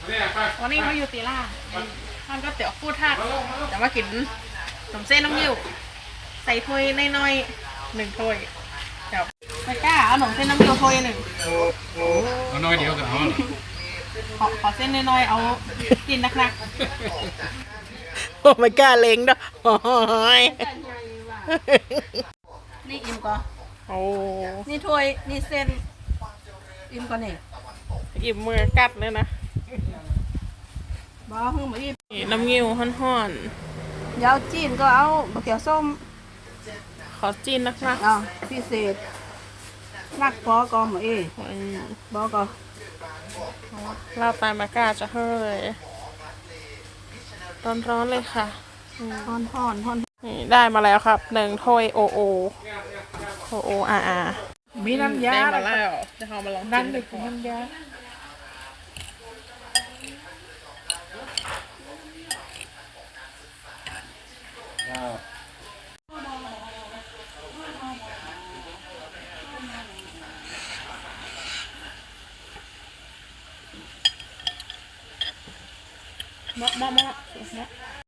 วันนี้เขาอยู่ตีล่าท่านก็เตี๋ยวพูดท่าแต่ว่ากินขนมเส้นน้ำยิ้วใส่ถ้วยน้อยๆ1 ถ้วยเดี๋ยวไม่กล้าเอาขนมเส้นน้ำยิ้วถ้วย1 เอาน้อยเดียวกับเขาขอเส้นน้อยๆเอากินนักโอ้ไม่กล้าเล็งด้วยโอ้ยๆนี่อิ่มก่อนโอ้นี่ถ้วยนี่เส้นอิ่มก่อนนี่อิ่มมือกัดเลยนะบ้าเพิ่งมาอิ่มน้ำงิ้วห่อนยาวจีนก็เอาบะเขียวส้มๆขอจีนนักพิเศษนักปอกอหมาบอกอลาบตายมากล้าจะเฮ้เลยร้อนๆเลยค่ะทอนนี่ได้มาแล้วครับ1 ถ้วยโออามีน้ำยาได้มาแล้วจะเอามาลองนั่งดึกน้ำยาเหมาะ